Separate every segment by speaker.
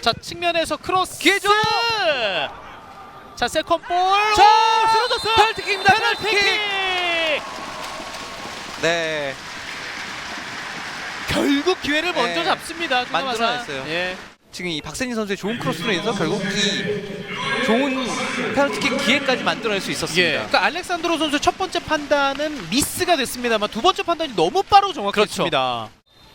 Speaker 1: 자 측면에서 크로스
Speaker 2: 기회죠.
Speaker 1: 자 세컨볼
Speaker 2: 자,
Speaker 1: 쓰러졌어요.
Speaker 2: 페널티킥입니다.
Speaker 1: 페널티킥.
Speaker 2: 네.
Speaker 1: 결국 기회를 먼저
Speaker 2: 네.
Speaker 1: 잡습니다.
Speaker 2: 만들어냈어요.
Speaker 1: 예.
Speaker 2: 지금 이 박세진 선수의 좋은 크로스로 인해서 결국 이 좋은 페널티킥 기회까지 만들어낼 수 있었습니다.
Speaker 1: 예. 그러니까 알렉산드로 선수의 첫 번째 판단은 미스가 됐습니다만 두 번째 판단이 너무 빠르고 정확했습니다.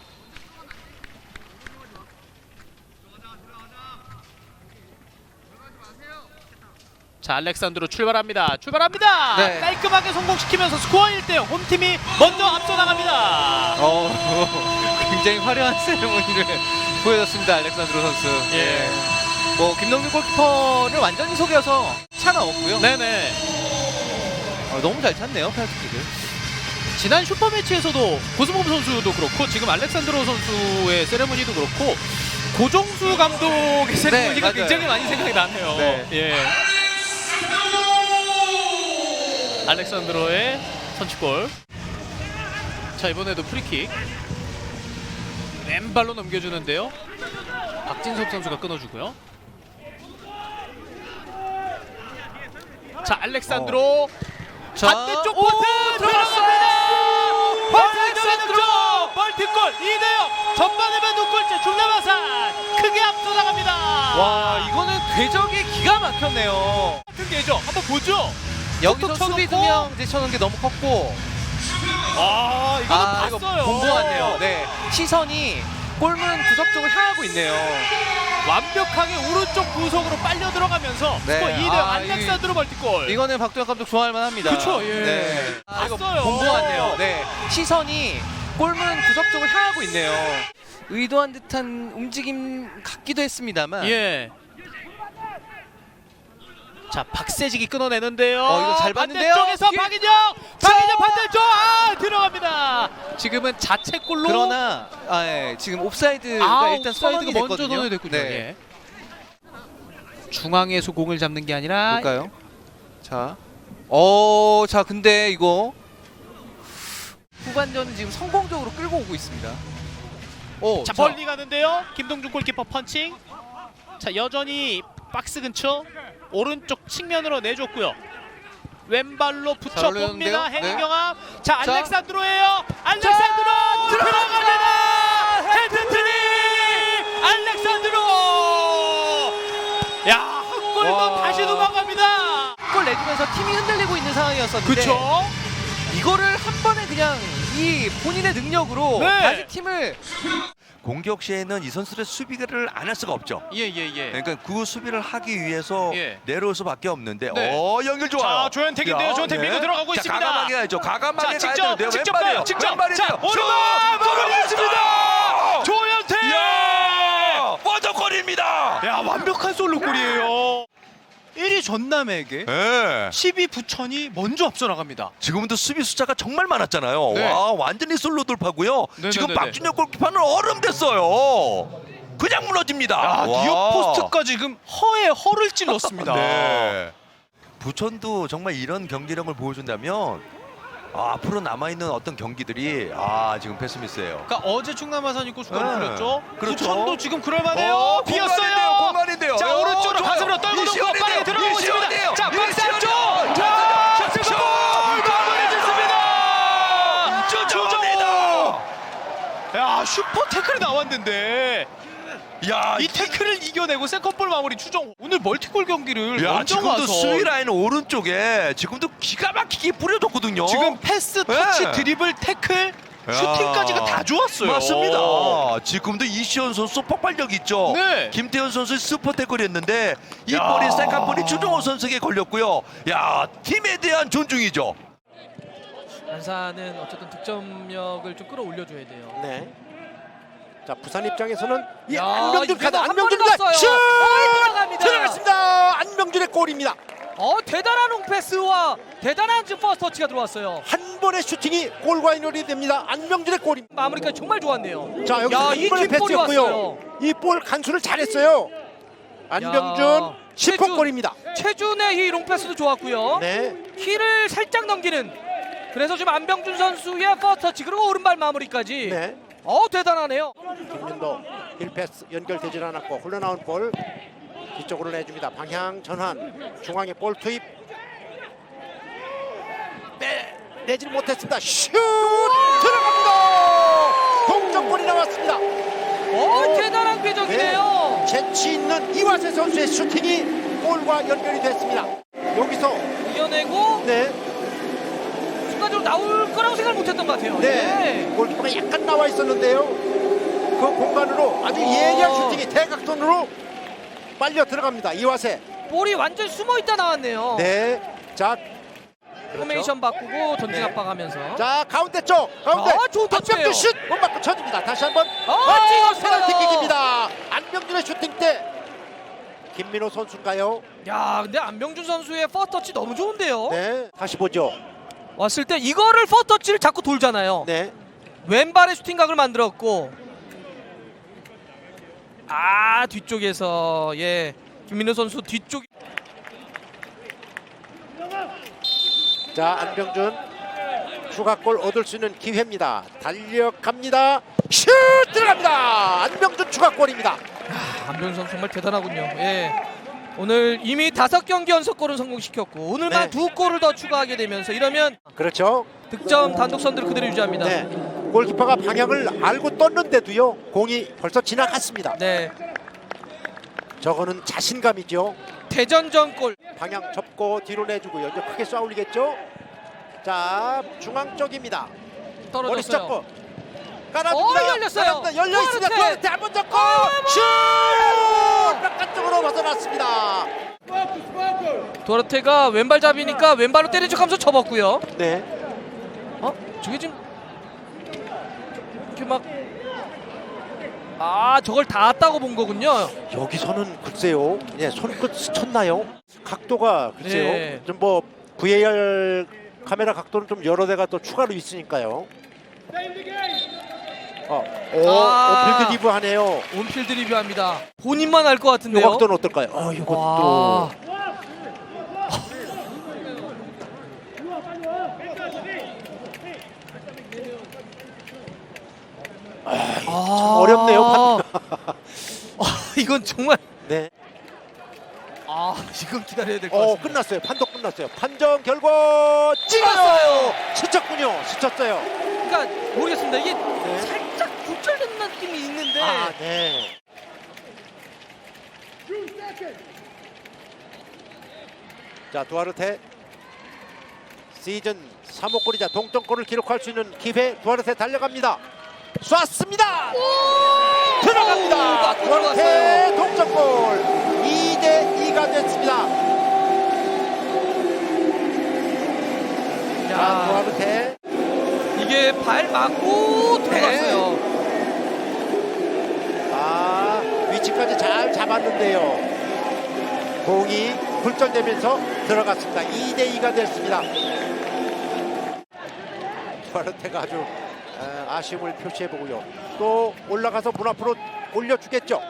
Speaker 1: 자 알렉산드로 출발합니다.
Speaker 2: 네.
Speaker 1: 깔끔하게 성공시키면서 스코어 1대0 홈팀이 먼저 앞서 나갑니다.
Speaker 2: 굉장히 화려한 세레모니를 보여줬습니다. 알렉산드로 선수.
Speaker 1: 예.
Speaker 2: 뭐 김동준 골키퍼를 완전히 속여서 차가 없고요.
Speaker 1: 네네.
Speaker 2: 너무 잘 찼네요, 페널티킥을.
Speaker 1: 지난 슈퍼매치에서도 고스모브 선수도 그렇고 지금 알렉산드로 선수의 세레모니도 그렇고 고종수 감독의 세레모니가
Speaker 2: 맞아요.
Speaker 1: 굉장히 많이 생각이 나네요.
Speaker 2: 네.
Speaker 1: 예. 알렉산드로의 선취골. 자 이번에도 프리킥. 왼발로 넘겨주는데요. 박진섭 선수가 끊어주고요. 자 알렉산드로 반대쪽 포트 들어갑니다. 알렉산드로 멀티골 2대0 전반에만 두 골째 중남아산 크게 앞서 나갑니다.
Speaker 2: 와, 이거는 궤적이 기가 막혔네요.
Speaker 1: 같은 게죠. 한번 보죠.
Speaker 2: 여기서
Speaker 1: 톡톡
Speaker 2: 수비 두
Speaker 1: 쳐놓고.
Speaker 2: 명 이제 쳐놓은 게 너무 컸고.
Speaker 1: 아 이거는
Speaker 2: 이거
Speaker 1: 봤어요.
Speaker 2: 본 것 같네요. 네, 시선이 골문 구석 쪽을 향하고 있네요.
Speaker 1: 완벽하게 오른쪽 구석으로 빨려 들어가면서
Speaker 2: 네.
Speaker 1: 스코어 2대0 알렉산드로 멀티골.
Speaker 2: 이거는 박도현 감독 좋아할 만합니다.
Speaker 1: 그쵸, 예.
Speaker 2: 네. 이거
Speaker 1: 봤어요.
Speaker 2: 본 것 같네요. 네, 시선이 골문 구석 쪽을 향하고 있네요. 의도한 듯한 움직임 같기도 했습니다만.
Speaker 1: 예. 자 박세직이 끊어내는데요.
Speaker 2: 이거 잘 봤는데요.
Speaker 1: 반대쪽에서
Speaker 2: 길-
Speaker 1: 박인영 반대쪽 들어갑니다. 지금은 자책골로.
Speaker 2: 그러나 지금 옵사이드가 일단
Speaker 1: 옵사이드가
Speaker 2: 선언이
Speaker 1: 먼저
Speaker 2: 됐거든요.
Speaker 1: 선언이 됐군요.
Speaker 2: 네.
Speaker 1: 예. 중앙에서 공을 잡는 게 아니라
Speaker 2: 볼까요? 자, 자 근데 이거 후반전 지금 성공적으로 끌고 오고 있습니다.
Speaker 1: 자 멀리 가는데요. 김동준 골키퍼 펀칭. 자 여전히 박스 근처 오른쪽 측면으로 내줬고요. 왼발로 붙여 봅니다.
Speaker 2: 올렸는데요?
Speaker 1: 행경합. 자
Speaker 2: 자.
Speaker 1: 알렉산드로예요. 알렉산드로 들어갑니다. 헤드트릭 알렉산드로. 야, 한 골만
Speaker 2: 와.
Speaker 1: 다시 도망갑니다.
Speaker 2: 골 내주면서 팀이 흔들리고 있는 상황이었었는데
Speaker 1: 그렇죠.
Speaker 2: 이거를 한 번에 그냥 이 본인의 능력으로
Speaker 1: 네.
Speaker 2: 다시 팀을
Speaker 3: 공격 시에는 이 선수들의 수비를 안 할 수가 없죠.
Speaker 1: 예예예.
Speaker 3: 그러니까 그 수비를 하기 위해서
Speaker 1: 예.
Speaker 3: 내려올 수밖에 없는데
Speaker 1: 네.
Speaker 3: 연결 좋아요.
Speaker 1: 자, 조현택인데요.
Speaker 3: 야,
Speaker 1: 조현택 밀고 들어가고
Speaker 3: 자,
Speaker 1: 있습니다.
Speaker 3: 과감하게 가야죠. 과감하게
Speaker 1: 자,
Speaker 3: 가야
Speaker 1: 직접,
Speaker 3: 되는데요.
Speaker 1: 직접
Speaker 3: 왼발이에요.
Speaker 1: 가요, 직접.
Speaker 3: 왼발이에요.
Speaker 1: 자, 오른발
Speaker 3: 들어갔습니다.
Speaker 1: 조현택.
Speaker 3: 이야, 버저골입니다.
Speaker 1: 야 완벽한 솔로골이에요. 1위 전남에게
Speaker 3: 네.
Speaker 1: 10위 부천이 먼저 앞서 나갑니다.
Speaker 3: 지금도 수비 숫자가 정말 많았잖아요.
Speaker 1: 네.
Speaker 3: 와, 완전히 솔로 돌파고요.
Speaker 1: 네네네네.
Speaker 3: 지금 박준혁 골키퍼는 얼음 됐어요. 그냥 무너집니다.
Speaker 1: 아,
Speaker 3: 와.
Speaker 1: 니어 포스트까지 지금 허에 허를 찔렀습니다.
Speaker 3: 네. 부천도 정말 이런 경기력을 보여준다면 앞으로 남아있는 어떤 경기들이 지금 패스미스예요.
Speaker 1: 그러니까 어제 충남아산이 골수가
Speaker 3: 네.
Speaker 1: 풀렸죠.
Speaker 3: 그렇죠.
Speaker 1: 부천도 지금 그럴만해요. 비었어요.
Speaker 3: 공간인데요.
Speaker 1: 자 오른쪽으로
Speaker 3: 좋아요.
Speaker 1: 가슴으로 떨고 놓고
Speaker 3: 이시원인데요.
Speaker 1: 빠르게 들어가고 있습니다.
Speaker 3: 이시원이에요.
Speaker 1: 자 박스 안쪽.
Speaker 3: 이시원이요.
Speaker 1: 자
Speaker 3: 슛!
Speaker 1: 마무리 짓습니다.
Speaker 3: 주정입니다.
Speaker 1: 야 슈퍼 태클이 나왔는데
Speaker 3: 야,
Speaker 1: 이 태클을 이겨내고 세컨볼 마무리 추정. 오늘 멀티골 경기를
Speaker 3: 야,
Speaker 1: 먼저
Speaker 3: 지금도
Speaker 1: 와서
Speaker 3: 수비 라인 오른쪽에 지금도 기가 막히게 뿌려줬거든요.
Speaker 1: 지금 패스, 터치,
Speaker 3: 네.
Speaker 1: 드리블, 태클,
Speaker 3: 야.
Speaker 1: 슈팅까지가 다 좋았어요.
Speaker 3: 맞습니다. 지금도 이시현 선수 폭발력 있죠.
Speaker 1: 네.
Speaker 3: 김태현 선수 슈퍼 태클이었는데 이
Speaker 1: 야.
Speaker 3: 볼이 세컨볼이 주정호 선수에게 걸렸고요. 야, 팀에 대한 존중이죠.
Speaker 4: 안산은 어쨌든 득점력을 좀 끌어올려줘야 돼요.
Speaker 5: 네. 자 부산 입장에서는 이
Speaker 4: 야,
Speaker 5: 안병준
Speaker 4: 이게
Speaker 5: 카드
Speaker 4: 한
Speaker 5: 안병준입니다.
Speaker 4: 번에
Speaker 5: 슛!
Speaker 4: 갔어요. 들어갑니다.
Speaker 5: 들어갔습니다. 안병준의 골입니다.
Speaker 4: 대단한 롱패스와 대단한 지금 퍼스트 터치가 들어왔어요.
Speaker 5: 한 번의 슈팅이 골과 연결이 됩니다. 안병준의 골입니다.
Speaker 4: 마무리까지 정말 좋았네요.
Speaker 5: 자 여기서
Speaker 4: 야,
Speaker 5: 한
Speaker 4: 이
Speaker 5: 번의
Speaker 4: 뒷볼이
Speaker 5: 패스였고요.
Speaker 4: 왔어요.
Speaker 5: 이 볼 간수를 잘했어요. 안병준
Speaker 4: 야,
Speaker 5: 10호 골입니다.
Speaker 4: 최준의 이 롱패스도 좋았고요.
Speaker 5: 네.
Speaker 4: 키를 살짝 넘기는. 그래서 지금 안병준 선수의 퍼스트 터치 그리고 오른발 마무리까지.
Speaker 5: 네.
Speaker 4: 대단하네요.
Speaker 5: 김민도 힐패스 연결되질 않았고 흘러나온 볼 뒤쪽으로 내줍니다. 방향 전환. 중앙에 볼 투입. 내질 못했습니다. 슛 들어갑니다. 동점골이 나왔습니다.
Speaker 4: 대단한 궤적이네요.
Speaker 5: 재치 있는 이화세 선수의 슈팅이 골과 연결이 됐습니다. 여기서
Speaker 4: 이겨내고
Speaker 5: 네,
Speaker 4: 순간적으로 나올 거라고 생각을 못했던 것 같아요.
Speaker 5: 네, 골키퍼가 약간 나와 있었는데요. 그 공간으로 아주 예리한 슈팅이 대각선으로 빨려 들어갑니다. 이화세.
Speaker 4: 볼이 완전히 숨어있다 나왔네요.
Speaker 5: 네, 자,
Speaker 4: 포메이션 바꾸고 전진
Speaker 5: 네.
Speaker 4: 압박하면서.
Speaker 5: 자 가운데 쪽 가운데
Speaker 4: 좋은 터치예요.
Speaker 5: 안병준 슛 못 맞고 쳐집니다. 다시 한번
Speaker 4: 찍었어요.
Speaker 5: 페널티킥입니다. 안병준의 슈팅 때 김민호 선수인가요?
Speaker 4: 야, 근데 안병준 선수의 퍼스트 터치 너무 좋은데요.
Speaker 5: 네, 다시 보죠.
Speaker 4: 왔을 때 이거를 퍼스트 터치를 자꾸 돌잖아요.
Speaker 5: 네,
Speaker 4: 왼발의 슈팅각을 만들었고, 뒤쪽에서 김민호 선수 뒤쪽.
Speaker 5: 자 안병준 추가골 얻을 수 있는 기회입니다. 달려갑니다. 슛 들어갑니다. 안병준 추가골입니다.
Speaker 4: 안병준 선수 정말 대단하군요. 오늘 이미 5경기 연속골을 성공시켰고 오늘만
Speaker 5: 네.
Speaker 4: 2골을 더 추가하게 되면서 이러면
Speaker 5: 그렇죠.
Speaker 4: 득점 단독 선두를 그대로 유지합니다.
Speaker 5: 네, 골키퍼가 방향을 알고 떴는데도요 공이 벌써 지나갔습니다.
Speaker 4: 네,
Speaker 5: 저거는 자신감이죠.
Speaker 4: 대전전 골.
Speaker 5: 방향 접고 뒤로 내주고요. 이제 크게 쏘아 올리겠죠. 자 중앙 쪽입니다. 머리
Speaker 4: 떨어졌어요.
Speaker 5: 잡고 깔아줍니다.
Speaker 4: 열렸어요.
Speaker 5: 열려 있습니다.
Speaker 4: 두아르테.
Speaker 5: 두아르테 한번 잡고 슛! 바깥쪽으로 벗어났습니다.
Speaker 4: 도르테가 왼발잡이니까 왼발로 때려주면서 접었고요.
Speaker 5: 네,
Speaker 4: 저게 지금 이렇게 막 저걸 닿았다고 본 거군요.
Speaker 5: 여기서는 글쎄요. 예, 손끝 스쳤나요? 각도가 글쎄요.
Speaker 4: 네.
Speaker 5: 좀 뭐 VAR 카메라 각도는 좀 여러 대가 또 추가로 있으니까요. 오필드 리브 하네요.
Speaker 4: 온필드 리뷰합니다. 본인만 알 것
Speaker 5: 이
Speaker 4: 같은데요.
Speaker 5: 각도는 어떨까요? 이것도
Speaker 4: 와.
Speaker 5: 참 어렵네요.
Speaker 4: 이건 정말
Speaker 5: 네.
Speaker 4: 이건 기다려야 될 것 같습니다.
Speaker 5: 끝났어요. 판독 끝났어요. 판정 결과 찍었어요. 스쳤군요. 스쳤어요.
Speaker 4: 그러니까 모르겠습니다. 이게
Speaker 5: 네.
Speaker 4: 살짝 굴절된 느낌이 있는데
Speaker 5: 네. 자, 두아르테 시즌 3호 골이자 동점골을 기록할 수 있는 기회. 두아르테 달려갑니다. 쐈습니다. 들어갑니다.
Speaker 4: 맞고
Speaker 5: 두아르테 동점골. 2대2가 됐습니다. 자, 두아르테.
Speaker 4: 이게 발 맞고 들어갔어요.
Speaker 5: 위치까지 잘 잡았는데요. 공이 굴절되면서 들어갔습니다. 2대2가 됐습니다. 두아르테가 아주 아쉬움을 표시해보고요. 또 올라가서 문 앞으로 올려주겠죠.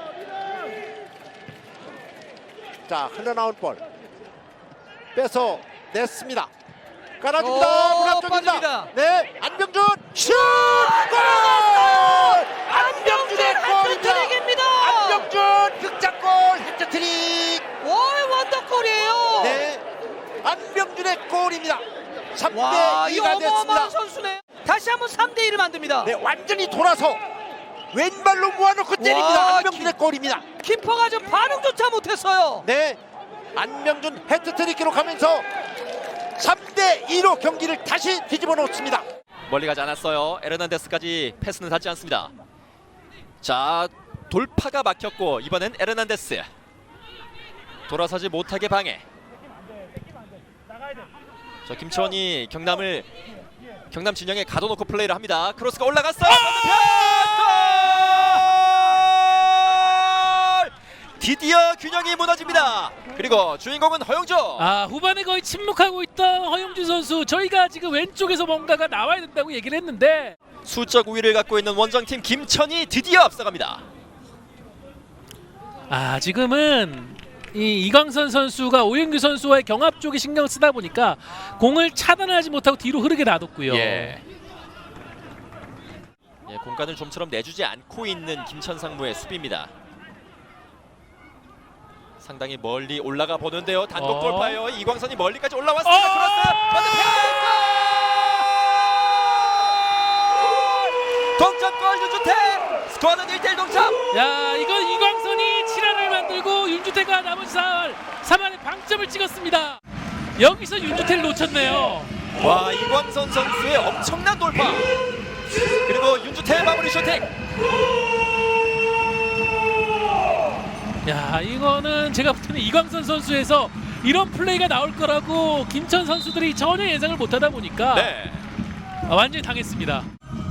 Speaker 5: 자, 흘러나온 볼 빼서 냈습니다. 깔아줍니다. 문 앞쪽입니다.
Speaker 4: 빠집니다.
Speaker 5: 네, 안병준 슛! 골! 안병준의 골입니다.
Speaker 4: 해트트릭입니다.
Speaker 5: 안병준 극장골 해트트릭.
Speaker 4: 원더골이에요.
Speaker 5: 네, 안병준의 골입니다.
Speaker 4: 와, 이
Speaker 5: 3대2가
Speaker 4: 어마어마한
Speaker 5: 됐습니다.
Speaker 4: 선수네. 다시 한번 3대1을 만듭니다.
Speaker 5: 네, 완전히 돌아서 왼발로 모아놓고 때립니다.
Speaker 4: 와,
Speaker 5: 안병준의 골입니다.
Speaker 4: 키퍼가 좀 반응조차 못했어요.
Speaker 5: 네, 안병준 해트트릭 기록하면서 3대2로 경기를 다시 뒤집어 놓습니다.
Speaker 6: 멀리 가지 않았어요. 에르난데스까지 패스는 닿지 않습니다. 자, 돌파가 막혔고 이번엔 에르난데스 돌아서지 못하게 방해. 자, 김치원이 경남 진영에 가둬놓고 플레이를 합니다. 크로스가 올라갔어요. 골! 드디어 균형이 무너집니다. 그리고 주인공은 허용조.
Speaker 7: 후반에 거의 침묵하고 있던 허용준 선수, 저희가 지금 왼쪽에서 뭔가가 나와야 된다고 얘기를 했는데
Speaker 6: 수적 우위를 갖고 있는 원정팀 김천이 드디어 앞서갑니다.
Speaker 7: 지금은 이광선 선수가 오윤규 선수와의 경합 쪽에 신경 쓰다 보니까 공을 차단하지 못하고 뒤로 흐르게 놔뒀고요.
Speaker 6: 공간을 좀처럼 내주지 않고 있는 김천상무의 수비입니다. 상당히 멀리 올라가 보는데요. 단독 돌파예요. 이광선이 멀리까지 올라왔습니다. 크로스! 동점골 윤주태! 스코어는 1대1 동점!
Speaker 7: 야, 이건 이광선이 7할을 만들고 윤주태가 나머지 3할에 방점을 찍었습니다. 여기서 윤주태를 놓쳤네요.
Speaker 6: 와, 이광선 선수의 엄청난 돌파! 그리고 윤주태의 마무리 슈팅!
Speaker 7: 야, 이거는 제가 볼 때는 이광선 선수에서 이런 플레이가 나올 거라고 김천 선수들이 전혀 예상을 못하다 보니까
Speaker 6: 네.
Speaker 7: 완전히 당했습니다.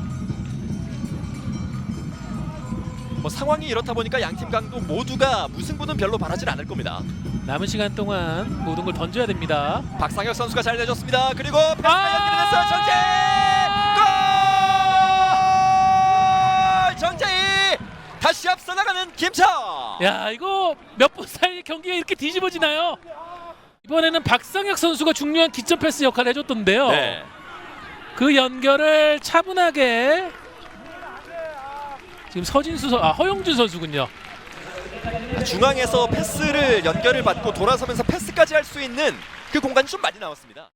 Speaker 6: 뭐 상황이 이렇다 보니까 양팀 강도 모두가 무승부는 별로 바라질 않을 겁니다.
Speaker 7: 남은 시간 동안 모든 걸 던져야 됩니다.
Speaker 6: 박상혁 선수가 잘 내줬습니다. 그리고 패스가 연결됐어요. 정재희! 다시 앞서 나가는 김천!
Speaker 7: 야, 이거 몇 분 사이에 경기가 이렇게 뒤집어지나요? 이번에는 박상혁 선수가 중요한 기점 패스 역할을 해줬던데요.
Speaker 6: 네.
Speaker 7: 그 연결을 차분하게 지금 허용준 선수군요.
Speaker 6: 중앙에서 패스를 연결을 받고 돌아서면서 패스까지 할 수 있는 그 공간이 좀 많이 나왔습니다.